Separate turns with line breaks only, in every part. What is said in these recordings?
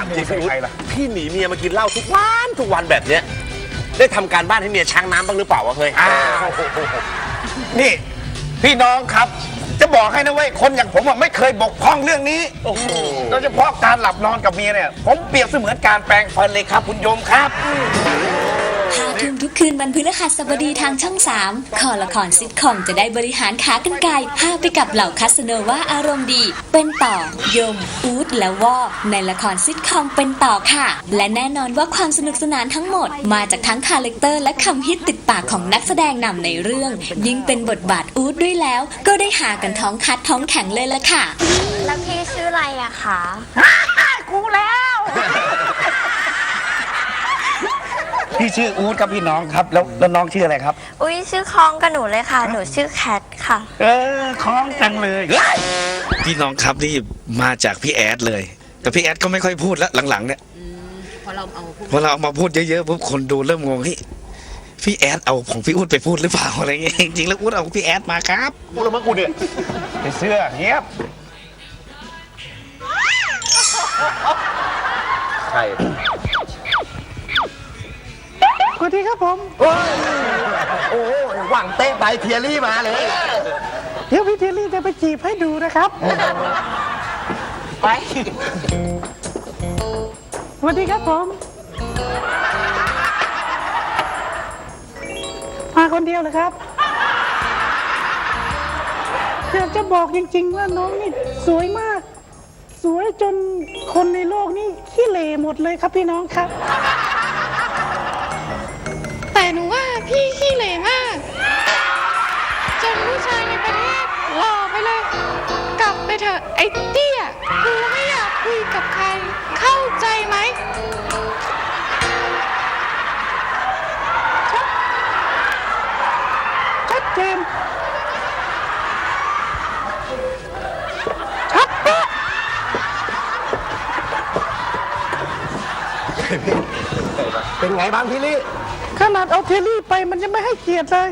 ามจริงใครล่ะ
พี่หนีเมียมากินเหล้าทุกวันแบบเนี้ยได้ทำการบ้านให้เมียช้างน้ำบ้างหรือเปล่าวะเคย
นี่พี่น้องครับ จะบอกให้นะเว้ยคนอย่างผมไม่เคยบกพร่องเรื่องนี้โดยเฉพาะการหลับนอนกับเมียเนี่ยผมเปรียบเสมือนการแปรงฟันเลยครับคุณโยมครับ
5 ทุ่มทุกคืนวันพฤหัสบดีทางช่อง 3คอละครซิทคอมจะได้บริหารขากรรไกรพาไปกับเหล่าคาสโนว่าอารมณ์ดี เป็นต่อยมอู๊ดและวอในละครซิทคอมเป็นต่อค่ะ และแน่นอนว่าความสนุกสนานทั้งหมดมาจากทั้งคาแรคเตอร์และคำฮิตติดปากของนักแสดงนำในเรื่อง ยิ่งเป็นบทบาทอู๊ดด้วยแล้ว ก็ได้หากันท้องคัดท้องแข็งเลยละค่ะ
แล้วพี่ชื่ออะไรอะคะ
กูแล้วพี่ชื่ออู๊ดครับพี่น้องครับแล้วน้องชื่ออะไรครับ
อุ้ยชื่อคล้องกับหนูเลยค่ะ หนูชื่อแคทค่ะ
คล้องจังเลย
พี่น้องครับนี่มาจากพี่แอดเลย แต่พี่แอดก็ไม่ค่อยพูดแล้วหลังๆเนี่ยพอเราเอามาพูดเยอะๆปุ๊บคนดูเริ่มงงพี่แอดเอาของพี่อู๊ดไปพูดหรือเปล่าอะไรเงี้ยจริงๆแล้วอู๊ดเอาพี่แอดมาครับ
พูดแล้วมั้งกูเนี่ยไอ้เสื้อเงียบ
ใช่
สวัสดีครับผม
โอ้หวังเตะไปเทียรี่มาเลย
เดี๋ยวพี่เทลลี่จะไปจีบให้ดูนะครับไปสวัสดีครับผมมาคนเดียวเหรอครับอยากจะบอกจริงๆว่าน้องนี่สวยมาก สวยจนคนในโลกนี่ขี้เหร่หมดเลยครับพี่น้องครับ
แต่หนูว่าพี่ขี้เหร่มาก จนผู้ชายในประเทศหล่อไปเลย กลับไปเถอะไอ้เตี้ยกูไม่อยากคุยกับใคร เข้าใจไหม
ชัดเจนชัดเป๊ะเป็นไงบ้างพี่ลี่ขนาดเอาเทลลี่ไปมันยังไม่ให้เกียรติเลย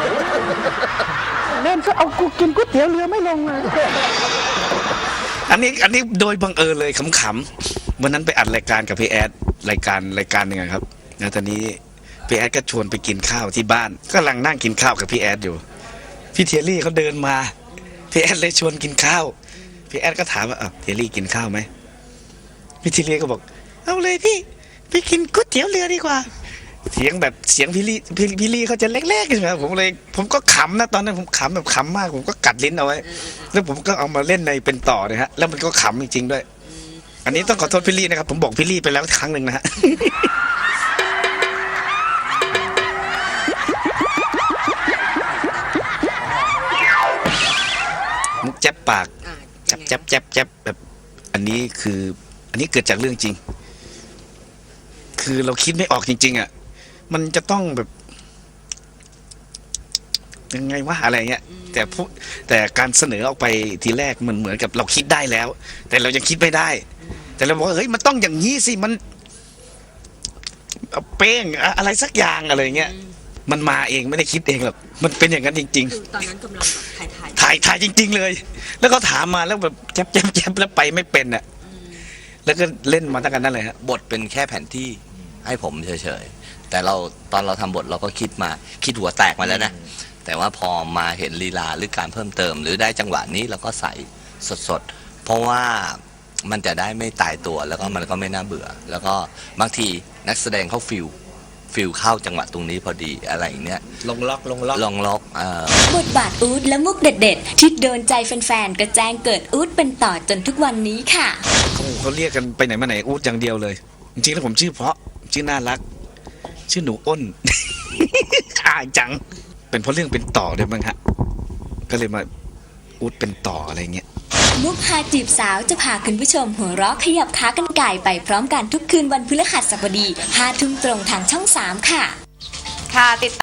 เล่นก็เอากูกินก๋วยเตี๋ยวเรือไม่ลงเลย
อันนี้โดยบังเอิญเลยขำๆวันนั้นไปอัดรายการกับพี่แอดรายการหนึ่งอะครับแล้วตอนนี้พี่แอดก็ชวนไปกินข้าวที่บ้านก็กำลังนั่งกินข้าวกับพี่แอดอยู่พี่เทลลี่เขาเดินมาพี่แอดเลยชวนกินข้าวพี่แอดก็ถามว่าเทลลี่กินข้าวไหมพี่เทลลี่ก็บอกเอาเลยพี่ไปกินก๋วยเตี๋ยวเรือดีกว่าเสียงพี่ลี่เขาจะเล็กๆใช่ไหมผมก็ขำนะตอนนั้นผมขำแบบขำมากผมก็กัดลิ้นเอาไว้แล้วผมก็เอามาเล่นในเป็นต่อนะฮะแล้วมันก็ขำจริงๆด้วยอันนี้ต้องขอโทษพี่ลี่นะครับผมบอกพี่ลี่ไปแล้วครั้งหนึ่งนะฮะ มุกแจ๊บปากแจ๊บแบบอันนี้เกิดจากเรื่องจริง คือเราคิดไม่ออกจริงๆอ่ะมันจะต้องแบบยังไงวะอะไรเงี้ยแต่การเสนอออกไปทีแรกมันเหมือนกับเราคิดได้แล้ว แต่เรายังคิดไม่ได้ แต่เราบอกว่าเฮ้ยมันต้องอย่างนี้สิมันเป้งอะไรสักอย่างอะไรเงี้ยมันมาเองไม่ได้คิดเองหรอกมันเป็นอย่างนั้นจริงๆตอนนั้นกำลังถ่ายจริงๆเลย แล้วก็ถามมาแล้วแบบแจ๊บแล้วไปไม่เป็นอ่ะแล้วก็เล่นมาตั้งแต่นั้นเลยฮะ
บทเป็นแค่แผนที่ให้ผมเฉยๆแต่ตอนเราทำบทเราก็คิดหัวแตกมาแล้วนะแต่ว่าพอมาเห็นลีลาหรือการเพิ่มเติม หรือได้จังหวะนี้เราก็ใส่สดๆเพราะว่ามันจะได้ไม่ตายตัวแล้วก็มันก็ไม่น่าเบื่อ แล้วก็บางทีนักแสดงเขาฟิลเข้าจังหวะตรงนี้พอดีอะไรอย่างเนี้ยลงล็อก
บทบาทอู๊ดและมุกเด็ดๆที่โดนใจแฟนๆก็แจ้งเกิดอู๊ดเป็นต่อจนทุกวันนี้ค่ะ
เขาเรียกกันไปไหนมาไหนอู๊ดอย่างเดียวเลยจริงๆแล้วผมชื่อเพราะชื่อน่ารักชื่อหนูอ้น อายจังเป็นเพราะเรื่องเป็นต่อด้วยมั้งฮะก็เลยมาอู๊ดเป็นต่ออะไรเงี้ย
มุกพาจีบสาวจะพาคุณผู้ชมหัวเราะขยับขากันไก่ไปพร้อมกันทุกคืนวันพฤหัสบดี 5 ทุ่มตรงทางช่อง 3 ค่ะ
ค่ะติด